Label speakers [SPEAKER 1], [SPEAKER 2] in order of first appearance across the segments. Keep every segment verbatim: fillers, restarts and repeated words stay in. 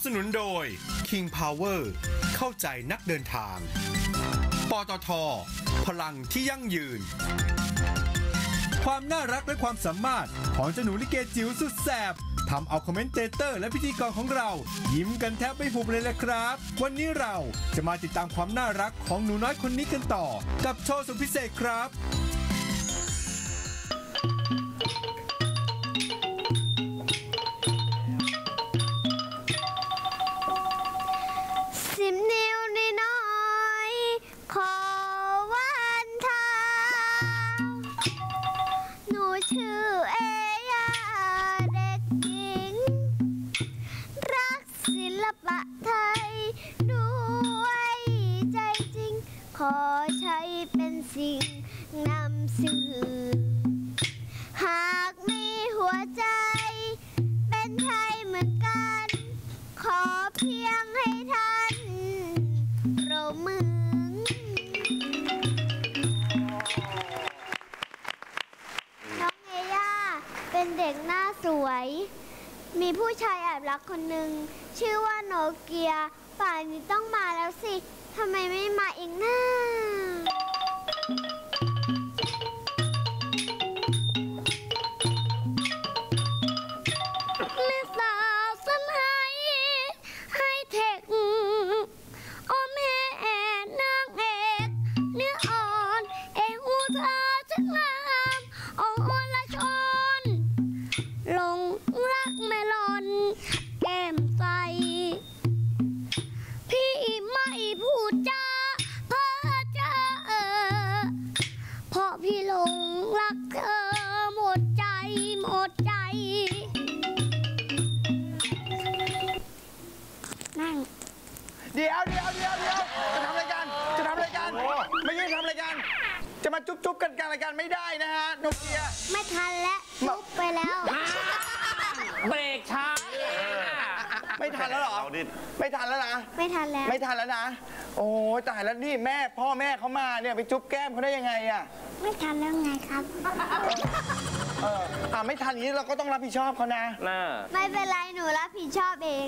[SPEAKER 1] สนุนโดย King Power เข้าใจนักเดินทางปตท.พลังที่ยั่งยืนความน่ารักและความสามารถของเจ้าหนูลิเกจิ๋วสุดแสบทำเอาคอมเมนเตเตอร์และพิธีกรของเรายิ้มกันแทบไม่หุบเลยแหละครับวันนี้เราจะมาติดตามความน่ารักของหนูน้อยคนนี้กันต่อกับโชว์สุดพิเศษครับ
[SPEAKER 2] สิบนิ้วน้อยขอวันทาหนูชื่อเอยาเด็กหญิงรักศิลปะไทยด้วยใจจริงขอใช้เป็นสิ่งนำสื่อหากมีหัวใจเป็นไทยเหมือนกันขอเพียงให้ท่านปรบมือน้องเอย่าเป็นเด็กหน้าสวยมีผู้ชายแอบรักคนหนึ่งชื่อว่าโนเกียป่านนี้ต้องมาแล้วสิทำไมไม่มาอีกนะแม่สาวสมัยไฮเทคโอแม่นางเอกเนื้ออ่อนเอหูเธอช่างงามอ่อนละชนหลงรักแม่หล่อนแก้มใสพี่ไม่พูดจาเพ้อเจ้อเพราะพี่หลงรักเธอหมดใจหมดใจนั่ง
[SPEAKER 3] เดี๋ยวเดี๋ยวเดี๋ยวเดี๋ยวจะทำรายการจะทำรายการไม่ใช่ทำรายการจะมาจุ๊บจุ๊บกันกลางรายการไม่ได้นะฮะโนเกีย
[SPEAKER 2] ไม่ทันแล้วจุ๊บไปแล้ว
[SPEAKER 4] เบรกช้า
[SPEAKER 3] ไม่ทันแล้วเหรอไม่ทันแล้วนะ
[SPEAKER 2] ไม่ทันแล้ว
[SPEAKER 3] ไม่ทันแล้วนะโอ้ตายแล้วนี่แม่พ่อแม่เขามาเนี่ยไปจุ๊บแก้มเขาได้ยังไงอ่ะ
[SPEAKER 2] ไม่ทันแล้วไงครับ
[SPEAKER 3] เอออ่าไม่ทันอย่างนี้เราก็ต้องรับผิดชอบเขานะ
[SPEAKER 2] ไม่เป็นไรหนูรับผิดชอบเอง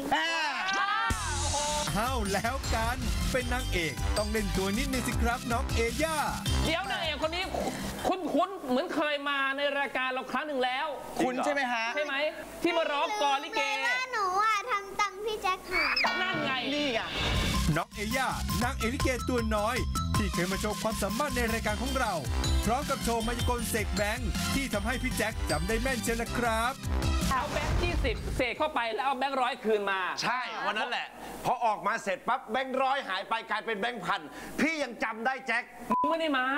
[SPEAKER 1] อ้าวแล้วกันเป็นนางเอกต้องเล่นตัวนิดนึงสิครับน้องเอย่า
[SPEAKER 4] เดี๋ยวนางเอกคนนี้คุ้นๆเหมือนเคยมาในรายการเราครั้งหนึ่งแล้ว
[SPEAKER 3] คุณใช่ไหมฮะ
[SPEAKER 4] ใช่ไหมที่มาร้องกลลิเก
[SPEAKER 2] ว่าหนูอ่ะทำตังพี่แจ็คหาย
[SPEAKER 4] นั่นไง
[SPEAKER 3] นี่ไง
[SPEAKER 1] น้องเอย่านางเอกลิเกตัวน้อยที่เคยมาโชว์ความสามารถในรายการของเราพร้อมกับโชว์มายากลเสกแบงค์ที่ทำให้พี่แจ็คจำได้แม่นเชียวนะครับ
[SPEAKER 4] เอาแบงค์ยี่สิบเสกเข้าไปแล้วเอาแบงค์ร้อยคืนมา
[SPEAKER 5] ใช่วันนั้นแหละพอออกมาเสร็จปั๊บแบงค์ร้อยหายไปกลายเป็นแบงค์พันพี่ยังจำได้แจ็ค
[SPEAKER 4] ไม่ได้มา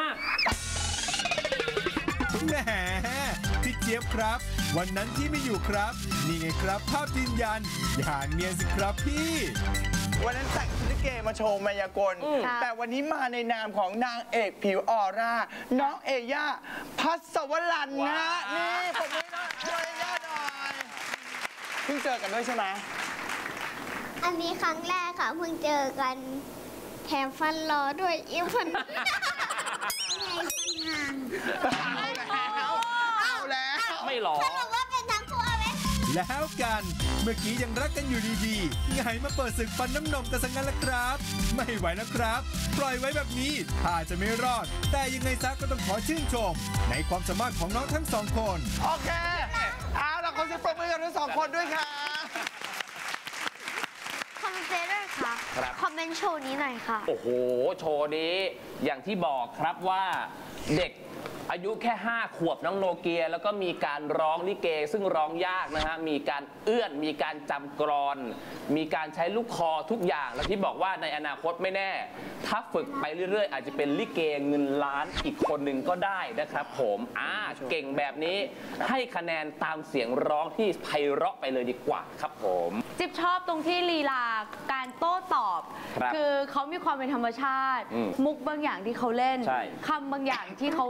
[SPEAKER 1] แหมพี่เจี๊ยบครับวันนั้นที่ไม่อยู่ครับนี่ไงครับภาพยืนยันอย่าเนียนสิครับพี่
[SPEAKER 3] วันนั้นแต่งลิเกมาโชว์มายากลแต่วันนี้มาในนามของนางเอกผิวออร่าน้องเอย่าพัสวรันนะนี่ผมไม่น้องเอย่าหน่อยเพิ่งเจอกันด้วยใช่ไหม
[SPEAKER 2] อันนี้ครั้งแรกค่ะเพิ่งเจอกันแถมฟันรอด้วยอีฟันไงฟันห่าง
[SPEAKER 3] เอาแล้วเอาแล้ว
[SPEAKER 4] ไม่หรอ
[SPEAKER 2] สรุปว่าเป็นทั้งคู่ไหม
[SPEAKER 1] แล้วกันเมื่อกี้ยังรักกันอยู่ดีๆไงมาเปิดศึกฟันน้ำนมกันสังกันละครับไม่ไหวแล้วครับปล่อยไว้แบบนี้ถ้าจะไม่รอดแต่ยังไงซะก็ต้องขอชื่นชมในความสามารถของน้องทั้งสองคน
[SPEAKER 3] โอเคเอาล่ะขอเสียงปรบมือกับทั้งสองคนด้วยค่ะ
[SPEAKER 2] คอมเมนเตอร์ค่ะคอมเมนต์โชว์นี้หน่อยค่ะ
[SPEAKER 4] โอ้โหโชว์นี้อย่างที่บอกครับว่าเด็กอายุแค่ห้าขวบน้องโนเกียแล้วก็มีการร้องลิเกซึ่งร้องยากนะฮะมีการเอื้อนมีการจำกรอนมีการใช้ลูกคอทุกอย่างแล้วที่บอกว่าในอนาคตไม่แน่ถ้าฝึกไปเรื่อยๆอาจจะเป็นลิเกเงินล้านอีกคนหนึ่งก็ได้นะครับผมอ่าเก่งแบบนี้ให้คะแนนตามเสียงร้องที่ไพเราะไปเลยดีกว่าครับผม
[SPEAKER 6] จิ๊บชอบตรงที่ลีลาการโต้ตอบ คือเขามีความเป็นธรรมชาติมุกบางอย่างที่เขาเล่นคำบางอย่างที่เขาฝึก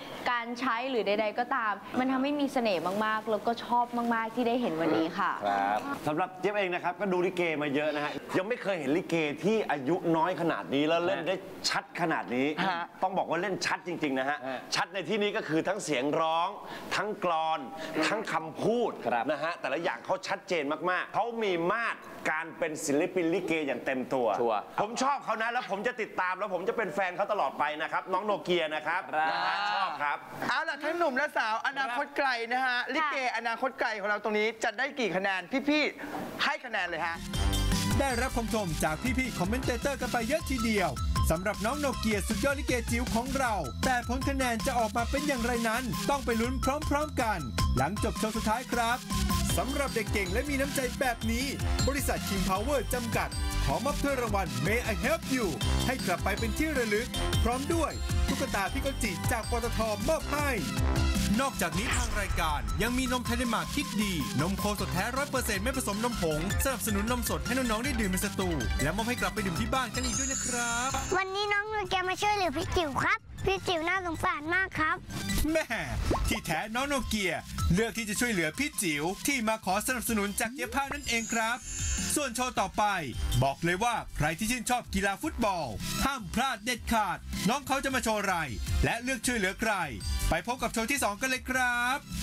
[SPEAKER 6] การใช้หรือใดๆก็ตาม มันทำให้มีเสน่ห์มากๆ แล้วก็ชอบมากๆที่ได้เห็นวันนี้ค่ะ
[SPEAKER 5] ครับสำหรับเจี๊ยบเองนะครับก็ดูลิเกมาเยอะนะฮะยังไม่เคยเห็นลิเกที่อายุน้อยขนาดนี้แล้วเล่นได้ชัดขนาดนี้
[SPEAKER 3] ฮะ
[SPEAKER 5] ต้องบอกว่าเล่นชัดจริงๆนะฮะ
[SPEAKER 4] ฮะ
[SPEAKER 5] ชัดในที่นี้ก็คือทั้งเสียงร้อง ทั้งกลอน ทั้งคำพูด
[SPEAKER 4] ครับ
[SPEAKER 5] นะฮะแต่ละอย่างเขาชัดเจนมากๆเขามีมาตรการเป็นศิลปินลิเกอย่างเต็มตัว
[SPEAKER 4] ชัวร์
[SPEAKER 5] ผมชอบเขานะแล้วผมจะติดตามแล้วผมจะเป็นแฟนเขาตลอดไปนะครับน้องโนเกียนะครับ
[SPEAKER 4] ครับ
[SPEAKER 5] นะฮะชอบครับ
[SPEAKER 3] เอาล่ะทั้งหนุ่มและสาวอนาคตไกลนะฮะลิเกอนาคตไกลของเราตรงนี้จะได้กี่คะแนนพี่ๆให้คะแนนเลยฮะ
[SPEAKER 1] ได้รับคำชมจากพี่ๆคอมเมนเตเตอร์กันไปเยอะทีเดียวสำหรับน้องโนเกียสุดยอดลิเกจิ๋วของเรา แต่ผลคะแนนจะออกมาเป็นอย่างไรนั้น ต้องไปลุ้นพร้อมๆกัน หลังจบโชว์สุดท้ายครับสำหรับเด็กเก่งและมีน้ำใจแบบนี้ บริษัท King Power จำกัด ขอมอบถ้วยรางวัล May I Help You ให้กลับไปเป็นที่ระลึก พร้อมด้วยตุ๊กตาพี่กจิจากปตทมอบให้ นอกจากนี้ทางรายการยังมีนมไทยเดนมาร์กคิดดี นมโคสดแท้ร้อยเปอร์เซ็นต์ไม่ผสมนมผงสนับสนุนนมสดให้น้องๆได้ดื่มในสตูและมอบให้กลับไปดื่มที่บ้านกันอีกด้วยนะครับ
[SPEAKER 2] วันนี้น้องนูแกมาช่วยเหลือพี่จิ๋วครับ พี่จิ๋วน่าสงสารมากครับ
[SPEAKER 1] แม่ที่แท้น้องโนเกียเลือกที่จะช่วยเหลือพี่จิ๋วที่มาขอสนับสนุนจากเย็บผ้านั่นเองครับ ส่วนโชว์ต่อไป บอกเลยว่าใครที่ชื่นชอบกีฬาฟุตบอล ห้ามพลาดเด็ดขาด น้องเขาจะมาโชว์อะไร และเลือกช่วยเหลือใคร ไปพบกับโชว์ที่สองกันเลยครับ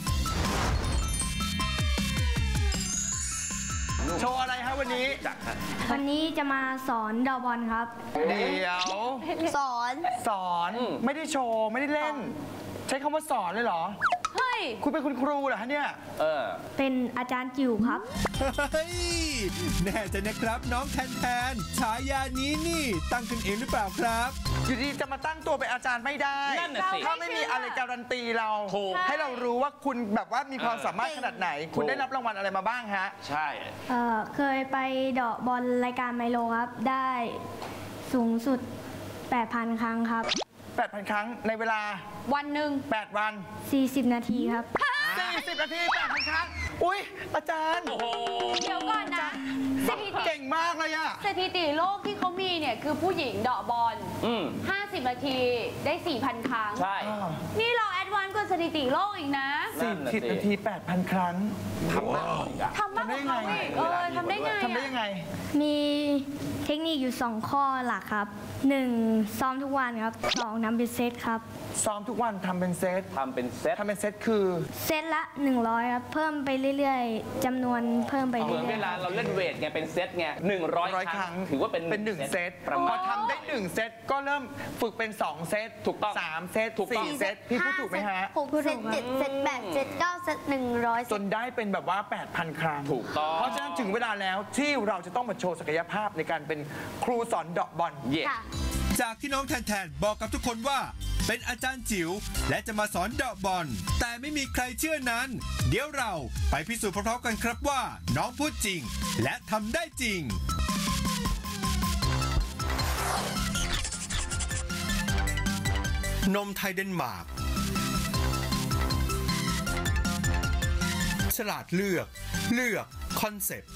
[SPEAKER 3] โชว์อะไรฮะวันนี้
[SPEAKER 7] วันนี้จะมาสอนเดอบอลครับ
[SPEAKER 3] เดี๋ยว
[SPEAKER 2] สอน
[SPEAKER 3] สอนไม่ได้โชว์ไม่ได้เล่น ใช้คำว่าสอนเลยเหรอ
[SPEAKER 6] เฮ้ย
[SPEAKER 3] คุณเป็นคุณครูเหรอฮะเนี่ย
[SPEAKER 4] เออ
[SPEAKER 7] เป็นอาจารย์จิ๋วครับ
[SPEAKER 1] เฮ้ยแน่ใจนะครับน้องแทนแทนฉายานี้นี่ตั้งขึ้นเองหรือเปล่าครับ
[SPEAKER 3] อยู่ดีจะมาตั้งตัวเป็นอาจารย์ไม่ได้
[SPEAKER 4] นั่นน่ะสิ
[SPEAKER 3] ถ้าไม่มีอะไรการันตีเรา
[SPEAKER 4] ถูก
[SPEAKER 3] ให้เรารู้ว่าคุณแบบว่ามีความสามารถขนาดไหน คุณได้รับรางวัลอะไรมาบ้างฮะ
[SPEAKER 5] ใช่
[SPEAKER 7] เอ่อเคยไปเดาะบอลรายการไมโลครับ ได้สูงสุด แปดพัน ครั้งครับ
[SPEAKER 3] แปดพัน ครั้งในเวลา
[SPEAKER 6] วันหนึ่ง
[SPEAKER 3] แปด วัน
[SPEAKER 7] สี่สิบ นาทีครับ
[SPEAKER 3] สี่สิบ นาที แปดพัน ครั้ง อุ้ยอาจารย์
[SPEAKER 4] โอ้โห
[SPEAKER 6] เดี๋ยวก่อนนะสถิติ
[SPEAKER 3] เก่งมากเลยอะ
[SPEAKER 6] สถิติโลกที่เขามีเนี่ยคือผู้หญิงเดาะบอล
[SPEAKER 4] อืม
[SPEAKER 6] ห้าสิบ นาทีได้ สี่พัน ครั้ง
[SPEAKER 4] ใช่
[SPEAKER 6] นี่เราแอดวานซ์กว่าสถิติโลกอีกนะ
[SPEAKER 4] นั่
[SPEAKER 3] สี่
[SPEAKER 4] นน่ะ
[SPEAKER 3] สิบ
[SPEAKER 4] สิ
[SPEAKER 3] นาที แปดพัน ครั้ง
[SPEAKER 4] ทำมากอีกอะ
[SPEAKER 6] ทำมากกว่าเขาอีกเออทำได้ไงอะ
[SPEAKER 3] ทำได้ยังไง
[SPEAKER 7] มีเทคนิคอยู่ สอง ข้อหลักครับ หนึ่ง ซ้อมทุกวันครับ สอง นำเป็นเซตครับ
[SPEAKER 3] ซ้อมทุกวันทำเป็นเซต
[SPEAKER 4] ทำเป็นเซต
[SPEAKER 3] ทำเป็นเซตคือ
[SPEAKER 7] เซตละ หนึ่งร้อยครับ เพิ่มไปเรื่อยๆจำนวนเพิ่มไป
[SPEAKER 4] เหมื
[SPEAKER 7] เรื่
[SPEAKER 4] อน
[SPEAKER 7] อ
[SPEAKER 4] เวย ลาเราเล่นเวทไงเป็นเซตไงหนึ่งร้อย
[SPEAKER 3] ร้อย
[SPEAKER 4] ค
[SPEAKER 3] ค
[SPEAKER 4] รั้
[SPEAKER 3] รั้
[SPEAKER 4] ง
[SPEAKER 3] ง
[SPEAKER 4] ถือว่าเป็น
[SPEAKER 3] เป็นหนึ่งเซต
[SPEAKER 4] ประ
[SPEAKER 3] พ
[SPEAKER 4] มา
[SPEAKER 3] อ
[SPEAKER 4] ณ
[SPEAKER 3] ทำได้หนึ่งเซตก็เริ่มฝึกเป็นสองเซต
[SPEAKER 4] ถูกต้อง
[SPEAKER 3] สามเซต
[SPEAKER 4] ถูกต้อง
[SPEAKER 3] สี่เซตพี่พูดถูกไหมฮะ
[SPEAKER 2] หกเซตเจ็ดเซตแปดเซตเก้าเซตหนึ่งร้อย
[SPEAKER 3] จนได้เป็นแบบว่า แปดพัน ครั้ง
[SPEAKER 4] ถูกต้อง
[SPEAKER 3] เพราะฉะนั้นถึงเวลาแล้วที่เราจะต้องมาโชว์ศักยภาพในการเป็นครูสอนเดาะบอล
[SPEAKER 4] เย่
[SPEAKER 2] ค่ะ
[SPEAKER 1] จากที่น้องแทนแทนบอกกับทุกคนว่า เป็นอาจารย์จิ๋วและจะมาสอนเดาะบอลแต่ไม่มีใครเชื่อนั้น เดี๋ยวเราไปพิสูจน์พร้อมๆกันครับว่า น้องพูดจริง และทำได้จริง นมไทยเดนมาร์กฉลาดเลือกเลือกคอนเซ็ปต์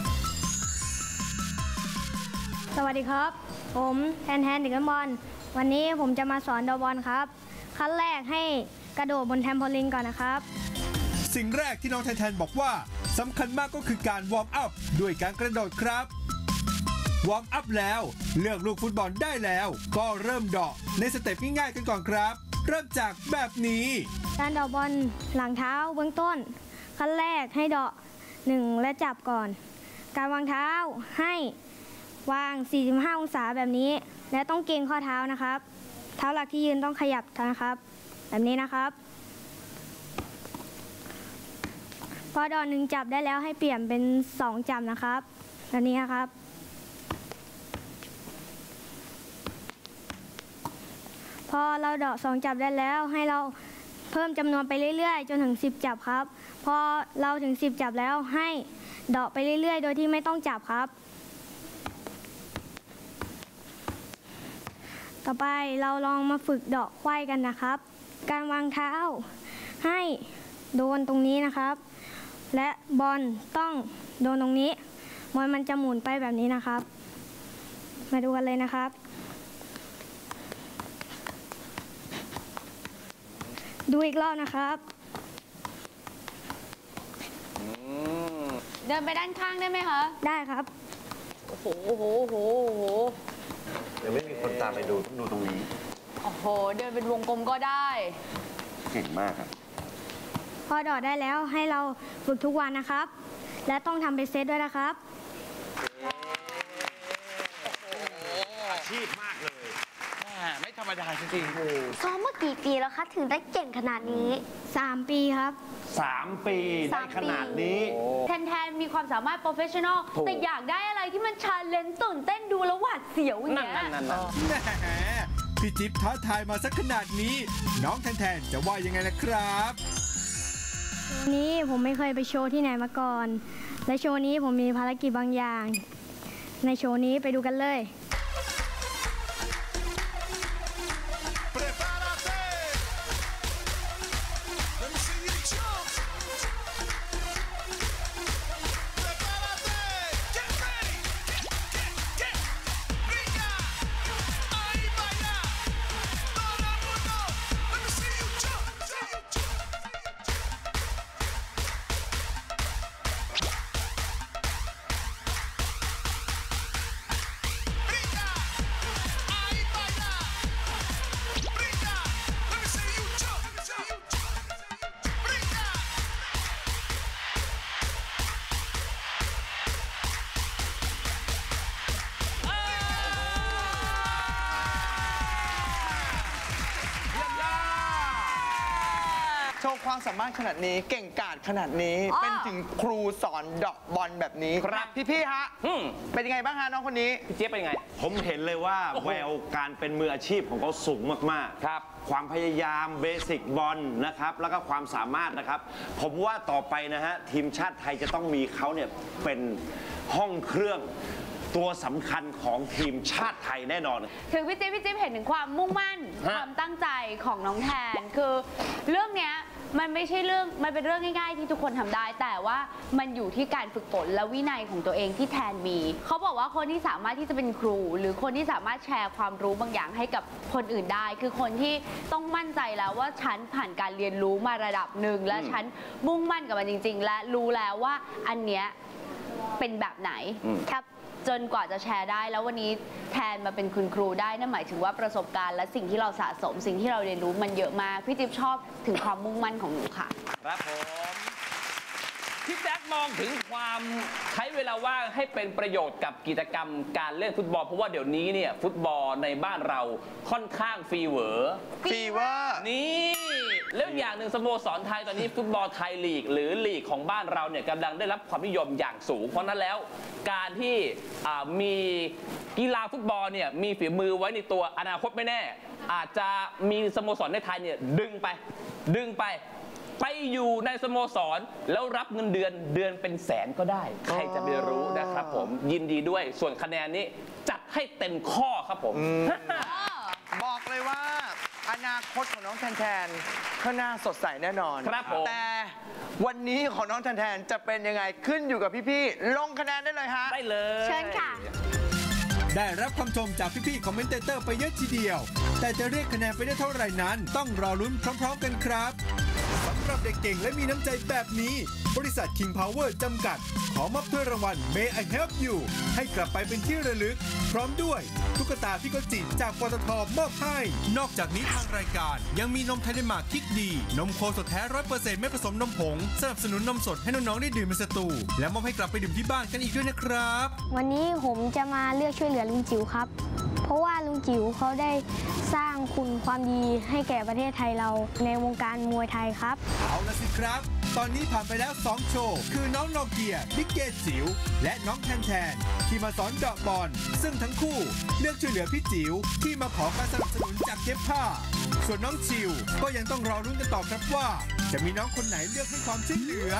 [SPEAKER 7] สวัสดีครับ ผมแทนแทนเด็กเล่นบอลวันนี้ผมจะมาสอนเดาะบอลครับ ขั้นแรกให้กระโดดบนแทมโพลินก่อนนะครับ
[SPEAKER 1] สิ่งแรกที่น้องแทนแทนบอกว่าสำคัญมากก็คือการวอร์มอัพด้วยการกระโดดครับ วอร์มอัพแล้วเลือกลูกฟุตบอลได้แล้ว ก็เริ่มเดาะในสเต็ปง่ายๆกันก่อนครับ เริ่มจากแบบนี้
[SPEAKER 7] การเดาะบอลหลังเท้าเบื้องต้น ขั้นแรกให้เดาะหนึ่งและจับก่อน การวางเท้าให้วาง สี่สิบห้า องศาแบบนี้ และต้องเกรงข้อเท้านะครับ เท้าหลักที่ยืนต้องขยับนะครับ แบบนี้นะครับ พอเดาะหนึ่งจับได้แล้วให้เปลี่ยนเป็นสองจับนะครับแบบนี้นะครับ พอเราเดาะสองจับได้แล้วให้เราเพิ่มจำนวนไปเรื่อยๆ จนถึงสิบจับครับ พอเราถึงสิบจับแล้วให้เดาะไปเรื่อยๆ โดยที่ไม่ต้องจับครับ ต่อไปเราลองมาฝึกเดาะไขว้กันนะครับ การวางเท้าให้โดนตรงนี้นะครับ และบอลต้องโดนตรงนี้บอลมันจะหมุนไปแบบนี้นะครับ มาดูกันเลยนะครับดูอีกรอบนะครับ
[SPEAKER 6] เดินไปด้านข้างได้ไหมคะ
[SPEAKER 7] ได้ครับ
[SPEAKER 6] โอ้โหโอ้โหโอ้โหโอ้โห
[SPEAKER 5] ยังไม่มีคนตามไปดูต้องดูตรงนี้
[SPEAKER 6] โอ้โห เดินเป็นวงกลมก็ได้
[SPEAKER 5] เก่งมากครับ
[SPEAKER 7] พอดอดได้แล้วให้เราฝึกทุกวันนะครับ และต้องทำเป็นเซตด้วยนะครับ
[SPEAKER 5] อาชีพมากเลย
[SPEAKER 3] ไม่ธรรมดาจริงๆโอ้
[SPEAKER 2] ซ้อมมากี่ปีแล้วคะถึงได้เก่งขนาดนี้
[SPEAKER 7] สาม ปีครับ
[SPEAKER 5] สาม ปีได้ขนาดนี้
[SPEAKER 6] แทนแทนมีความสามารถโปรเฟชชั่นอล
[SPEAKER 4] ถูก
[SPEAKER 6] แต่อยากได้อะไรที่มันชาเลนจ์ตื่นเต้นดูแล้วหวาดเสียวอย่าง
[SPEAKER 4] นั่น
[SPEAKER 6] เงี้ย
[SPEAKER 4] นั่นนั่น
[SPEAKER 1] แหมพี่จิ๊บท้าทายมาสักขนาดนี้ น้องแทนๆจะว่ายังไงล่ะครับ
[SPEAKER 7] โชว์นี้ผมไม่เคยไปโชว์ที่ไหนมาก่อน และโชว์นี้ผมมีภารกิจบางอย่าง ในโชว์นี้ไปดูกันเลย
[SPEAKER 3] โชว์ความสามารถขนาดนี้เก่งกาจขนาดนี้
[SPEAKER 6] อ๋อ
[SPEAKER 3] เป็นถึงครูสอนเดาะบอลแบบนี้
[SPEAKER 4] ครับ
[SPEAKER 3] พี่ๆฮะ
[SPEAKER 4] อืม
[SPEAKER 3] เป็นยังไงบ้างฮะน้องคนนี้
[SPEAKER 4] พี่เจี๊ยบเป็นยังไง
[SPEAKER 5] ผมเห็นเลยว่า
[SPEAKER 4] โอ้โห
[SPEAKER 5] แววการเป็นมืออาชีพของเขาสูงมากๆ
[SPEAKER 4] ครับ
[SPEAKER 5] ความพยายามเบสิกบอลนะครับ แล้วก็ความสามารถนะครับ ผมว่าต่อไปนะฮะ ทีมชาติไทยจะต้องมีเขาเนี่ยเป็นห้องเครื่องตัวสำคัญของทีมชาติไทยแน่นอน
[SPEAKER 6] ถึงพี่จิ๊บพี่จิ๊บเห็นถึงความมุ่งมั่น
[SPEAKER 4] ฮะ
[SPEAKER 6] ความตั้งใจของน้องแทน คือเรื่องเนี้ยมันไม่ใช่เรื่องมันเป็นเรื่องง่ายๆที่ทุกคนทำได้ แต่ว่ามันอยู่ที่การฝึกฝนและวินัยของตัวเองที่แทนมี เขาบอกว่าคนที่สามารถที่จะเป็นครู หรือคนที่สามารถแชร์ความรู้บางอย่างให้กับคนอื่นได้ คือคนที่ต้องมั่นใจแล้วว่าฉันผ่านการเรียนรู้มาระดับหนึ่งและฉันมุ่งมั่นกับมันจริง ๆ และรู้แล้วว่าอันเนี้ยเป็นแบบไหนครับจนกว่าจะแชร์ได้แล้ววันนี้แทนมาเป็นคุณครูได้นั่นหมายถึงว่าประสบการณ์และสิ่งที่เราสะสมสิ่งที่เราเรียนรู้มันเยอะมากพี่จิ๊บชอบถึงความมุ่งมั่นของหนูค่ะ
[SPEAKER 4] ครับผม พี่แจ็คมองถึงความใช้เวลาว่างให้เป็นประโยชน์กับกิจกรรมการเล่นฟุตบอลเพราะว่าเดี๋ยวนี้เนี่ยฟุตบอลในบ้านเราค่อนข้างฟีเวอร์
[SPEAKER 3] ฟีเวอร์
[SPEAKER 4] นี่แล้วอย่างหนึ่งสโมสรไทยตอนนี้ฟุตบอลไทยลีก หรือลีกของบ้านเราเนี่ยกำลังได้รับความนิยมอย่างสูงเพราะนั้นแล้วการที่อ่ามีกีฬาฟุตบอลเนี่ยมีฝีมือไว้ในตัวอนาคตไม่แน่ อาจจะมีสโมสรในไทยเนี่ยดึงไปดึงไป ไปอยู่ในสโมสรแล้วรับเงินเดือนเดือนเป็นแสนก็ได้ ใครจะไปรู้นะครับผมยินดีด้วยส่วนคะแนนนี้จัดให้เต็มข้อครับผม
[SPEAKER 3] บอกเลยว่าอนาคตของน้องแทนแทนข้างหน้าสดใสแน่นอน
[SPEAKER 4] ครับผม
[SPEAKER 3] แต่วันนี้ของน้องแทนแทนจะเป็นยังไงขึ้นอยู่กับพี่ๆลงคะแนนได้เลยฮะ
[SPEAKER 4] ได้เลย
[SPEAKER 2] เชิญค่ะ
[SPEAKER 1] ได้รับคำชมจากพี่ๆคอมเมนเตเตอร์ไปเยอะทีเดียว แต่จะเรียกคะแนนไปได้เท่าไหร่นั้น ต้องรอลุ้นพร้อมๆกันครับสำหรับเด็กเก่งและมีน้ำใจแบบนี้ บริษัท King Power จำกัด ขอมอบถ้วยรางวัล May I Help You ให้กลับไปเป็นที่ระลึก พร้อมด้วยตุ๊กตาพี่โกจิจากปตทมอบให้ นอกจากนี้ทางรายการยังมีนมไทยเดนมาร์กคิดดี นมโคสดแท้ ร้อยเปอร์เซ็นต์ ไม่ผสมนมผงสนับสนุนนมสดให้น้องๆได้ดื่มในสตูและมอบให้กลับไปดื่มที่บ้านกันอีกด้วยนะครับ
[SPEAKER 7] วันนี้ผมจะมาเลือกช่วยเหลือลุงจิ๋วครับ เพราะว่าลุงจิ๋วเขาได้สร้างคุณความดีให้แก่ประเทศไทยเราในวงการมวยไทยครับ
[SPEAKER 1] เอาละสิครับ ตอนนี้ผ่านไปแล้วสองโชว์ คือน้องโนเกียบิ๊กเกตจิ๋วและน้องแทนแทนที่มาสอนเดาะบอล ซึ่งทั้งคู่เลือกช่วยเหลือพี่จิ๋วที่มาขอการสนับสนุนจากเย็บผ้า ส่วนน้องชิวก็ยังต้องรอรุ้นกันต่อครับว่า จะมีน้องคนไหนเลือกให้ความช่วยเหลือ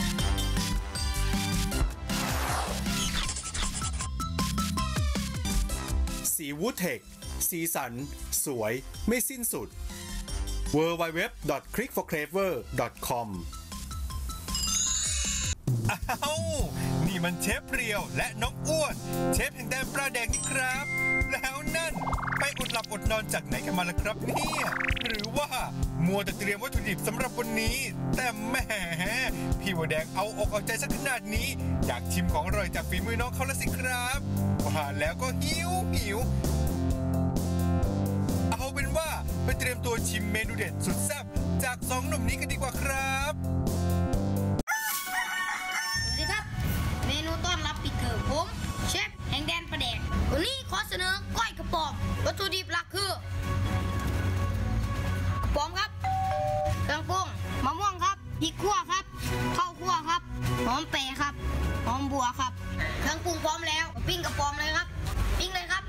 [SPEAKER 1] สีวูเทคสีสัน สวย ไม่สิ้นสุด ดับเบิลยู ดับเบิลยู ดับเบิลยู ดอท คลิก ฟอร์ เคลเวอร์ ดอท คอม อ้าว นี่มันเชฟเรียวและน้องอ้วน เชฟแห่งแดนปลาแดงนี่ครับ แล้วนั่นไปอดหลับอดนอนจากไหนกันมาล่ะครับเนี่ยหรือว่ามัวแต่เตรียมวัตถุดิบสำหรับวันนี้แต่แหมพี่วัวแดงเอาอกเอาใจสักขนาดนี้อยากชิมของอร่อยจากฝีมือน้องเขาละสิครับว่าแล้วก็หิวหิวเอาเป็นว่าไปเตรียมตัวชิมเมนูเด็ดสุดแซ่บจากสองหนุ่มนี้กันดีกว่าครับ
[SPEAKER 8] สวัสดีครับเมนูต้อนรับปิดเทอมผมเชฟแห่งแดนประแดกวันนี้ขอเสนอก้อยกระป๋อมวัตถุดิบหลักคือกระป๋อมครับเครื่องปรุงมะม่วงครับพริกขั่วครับข้าวคั่วครับหอมเปรย์ครับหอมบัวครับเครื่องปรุงพร้อมแล้วปิ้งกระป๋อมเลยครับปิ้งเลยครับ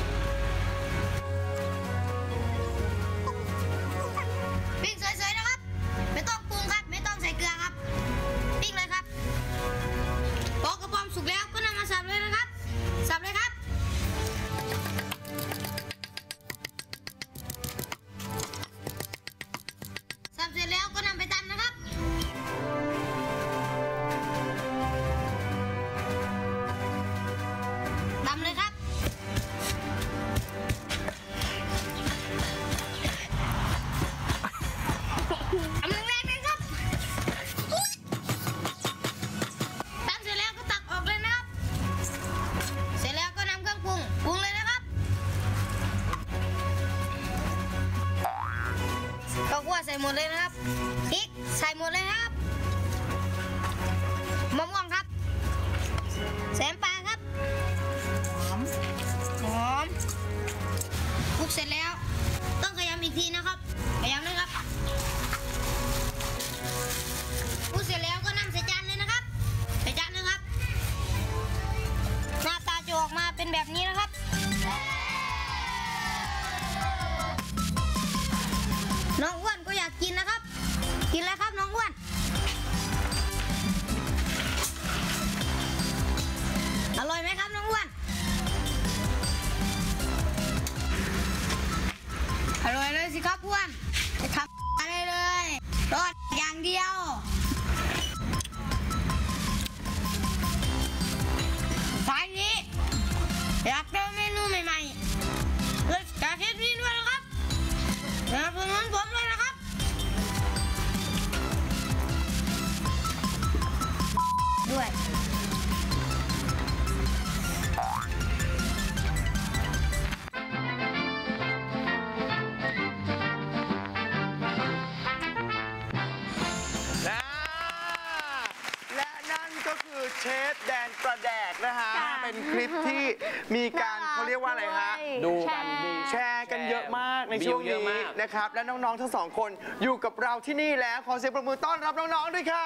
[SPEAKER 8] ปิ้งสวยๆนะครับไม่ต้องปรุงครับไม่ต้องใส่เกลือครับปิ้งเลยครับพอกระป๋อมสุกแล้วก็นำมาสับเลยนะครับสับเลยครับสับเสร็จแล้วก็นำไปตำนะครับตำเลยครับตำแรงๆเลยครับตำเสร็จแล้วก็ตักออกเลยนะครับเสร็จแล้วก็นำเครื่องปรุงปรุงเลยนะครับข้าวคั่วใส่หมดเลยนะครับพริกใส่หมดเลยครับมะม่วงครับแสมปลาครับหอมหอมคลุกเสร็จแล้วต้องขยำอีกทีนะครับขยำเลยครับคลุกเสร็จแล้วก็นำใส่จานเลยนะครับใส่จานเลยครับหน้าตาจะออกมาเป็นแบบนี้นะครับน้องอ้วนก็อยากกินนะครับกินแล้วครับน้องอ้วนอร่อยไหมครับน้องอ้วนอร่อยเลยสิครับอ้วนจะทำอะไรเลยรอดอย่างเดียวสายนี้อยากเจอเมนูใหม่ๆเลยจากเทปนี้ด้วยนะครับสนับสนุนผมเลยนะครับด้วย
[SPEAKER 3] นะและนั่นก็คือเชฟแดนประแดกนะฮะ
[SPEAKER 6] ค่ะ
[SPEAKER 3] เป็นคลิปที่มีการเขาเรียกว่าอะไรฮะ
[SPEAKER 4] ดูกันดี
[SPEAKER 3] แชร์กันเยอะมากในช่วง
[SPEAKER 4] วิวเยอะ
[SPEAKER 3] นี้
[SPEAKER 4] มาก
[SPEAKER 3] นะครับ และน้องๆทั้งสองคนอยู่กับเราที่นี่แล้วขอเสียงปรบมือต้อนรับน้องๆด้วยครับ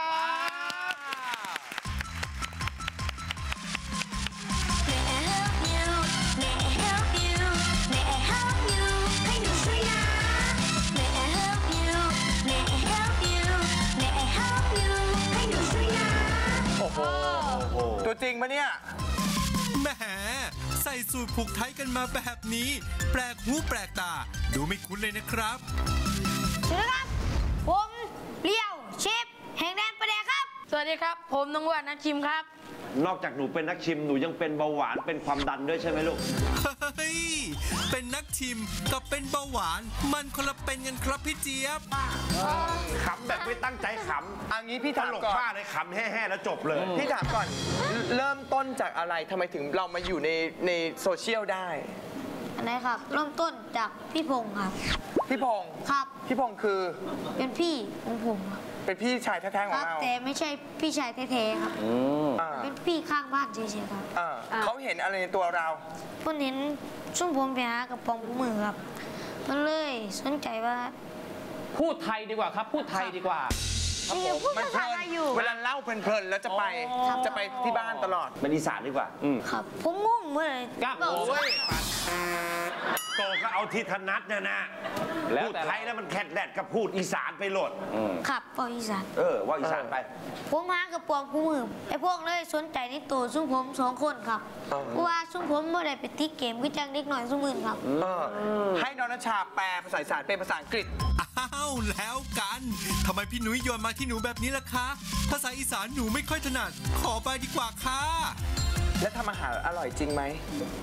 [SPEAKER 3] โอ้โห ตัวจริงปะเนี่ย
[SPEAKER 1] แหมใส่สูตรผูกไทยกันมาแบบนี้ แปลกหูแปลกตา ดูไม่คุ้นเลยนะครับ
[SPEAKER 8] สวัสดีครับผมเลี้ยวเชฟแห่งแดนประแดกครับ
[SPEAKER 9] สวัสดีครับ ผมน้องอ้วนนักชิมครับ
[SPEAKER 5] นอกจากหนูเป็นนักชิมหนูยังเป็นเบาหวานเป็นความดันด้วยใช่ไหมลูก
[SPEAKER 1] เฮ้ย เป็นนักชิมกับเป็นเบาหวาน มันคนละเป็นกันครับพี่เจี๊ยบ
[SPEAKER 5] ขำแบบไม่ตั้งใจข
[SPEAKER 3] อันนี้พี่
[SPEAKER 5] ำต
[SPEAKER 3] ถาม
[SPEAKER 5] ลก
[SPEAKER 3] ก่อน
[SPEAKER 5] มากเลยขำแห่ๆแล้วจบเลย
[SPEAKER 3] พี่ถามก่อน เริ่มต้นจากอะไรทำไมถึงเรามาอยู่ในในโซเชียลได้
[SPEAKER 8] อันไหนครับเริ่มต้นจากพี่พงศ์ครับ
[SPEAKER 3] พี่พงศ์
[SPEAKER 8] ครับ
[SPEAKER 3] พี่พงศ์คือ
[SPEAKER 8] เป็นพี่ของผมครับ
[SPEAKER 3] เป็นพี่ชายแท้ๆข
[SPEAKER 8] ค
[SPEAKER 3] อง
[SPEAKER 8] รับ
[SPEAKER 3] เรา
[SPEAKER 8] แต่ไม่ใช่พี่ชายแท้ๆครับ
[SPEAKER 3] อ่า
[SPEAKER 8] เป็นพี่ข้างบ้านเฉยๆครับ
[SPEAKER 3] อ่าเขาเห็นอะไรในตัวเรา
[SPEAKER 8] เพิ่นเห็นช่วงผมไปหากระป๋องมือครับมันเลยสนใจว่า
[SPEAKER 4] พูดไทยดีกว่าครับ พูดไทยดีกว่า
[SPEAKER 8] จริงๆพูด
[SPEAKER 3] มัน
[SPEAKER 8] ภา
[SPEAKER 3] เพ
[SPEAKER 8] ษา
[SPEAKER 3] ลิ
[SPEAKER 8] อะไร
[SPEAKER 3] น
[SPEAKER 8] อยู่
[SPEAKER 3] เวลาเล่าเพลินๆแล้วจะไป
[SPEAKER 8] ครับ
[SPEAKER 3] จะไปที่บ้านตลอด
[SPEAKER 5] เป็นอีสานดีกว่า อืม
[SPEAKER 8] ครับ ผมงงเมื่อไหร่
[SPEAKER 4] ครับ
[SPEAKER 8] บอก
[SPEAKER 4] โอ้ย
[SPEAKER 5] โตก็เอาที่ถนัดนะนะ
[SPEAKER 4] แล้ว
[SPEAKER 5] พูด
[SPEAKER 4] แต่
[SPEAKER 5] ไทยแล้วมันแคดแดดกับพูดอีสานไปโหลด
[SPEAKER 8] ครับบอกอีสาน
[SPEAKER 5] เออ ว่าอีสานไป
[SPEAKER 8] ผมหากระป๋องกูมือไอ้พวกเลยสนใจในตัวซุ้มผมสองคนครับ
[SPEAKER 3] อ๋อ
[SPEAKER 8] เพราะว่าซุ้มผมเมื่อไหร่ไปตีเกมก็จังเล็กหน่อยซุ้มมือครับ
[SPEAKER 3] เออให้น้องนัชชาแปลภาษาอีสานเป็นภาษาอังกฤษ
[SPEAKER 1] อ้าวแล้วกันทำไมพี่หนุ้ยโยนมาที่หนูแบบนี้ล่ะคะ ภาษาอีสานหนูไม่ค่อยถนัด ขอไปดีกว่าค่ะ
[SPEAKER 3] และทำอาหารอร่อยจริงไหม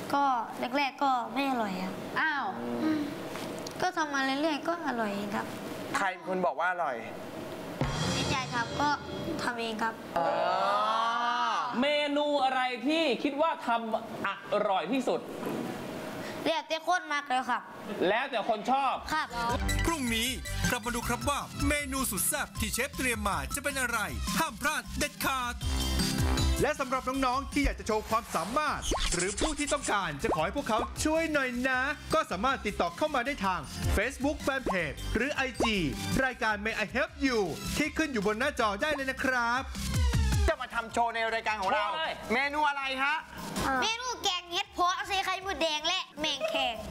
[SPEAKER 8] ก็แรกๆก็ไม่อร่อยครับ
[SPEAKER 6] อ้าว
[SPEAKER 8] ก็ทำมาเรื่อยๆก็อร่อยครับ
[SPEAKER 3] ใครเป็นคนบอกว่าอร่อย
[SPEAKER 8] ไม่ใจทำก็ทำเองครับ
[SPEAKER 4] เมนูอะไรที่คิดว่าทำอร่อยที่สุด
[SPEAKER 8] เรียกเต้โคตรมากเลยครับ
[SPEAKER 4] แล้วแต่คนชอบ
[SPEAKER 8] ครับ
[SPEAKER 1] พรุ่งนี้กลับมาดูครับว่าเมนูสุดแซ่บที่เชฟเตรียมมาจะเป็นอะไร ห้ามพลาดเด็ดขาด และสำหรับน้องๆที่อยากจะโชว์ความสามารถ หรือผู้ที่ต้องการจะขอให้พวกเขาช่วยหน่อยนะ ก็สามารถติดต่อเข้ามาได้ทาง Facebook Fanpage หรือ ไอ จี รายการ May I Help You ที่ขึ้นอยู่บนหน้าจอได้เลยนะครับ
[SPEAKER 3] จะมาทำโชว์ในรายการของเรา
[SPEAKER 4] โชว์เลย
[SPEAKER 3] เมนูอะไรฮะ
[SPEAKER 8] เมนูแกงเห็ดเพาะใส่ไข่มดแดงและแมงแคง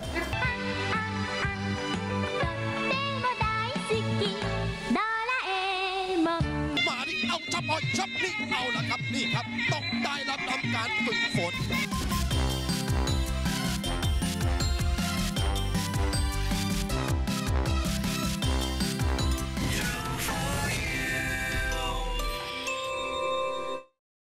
[SPEAKER 10] มาดิเอาชับเอาชับนี่เอาละครับนี่ครับต้องได้รับทำการฝึกฝน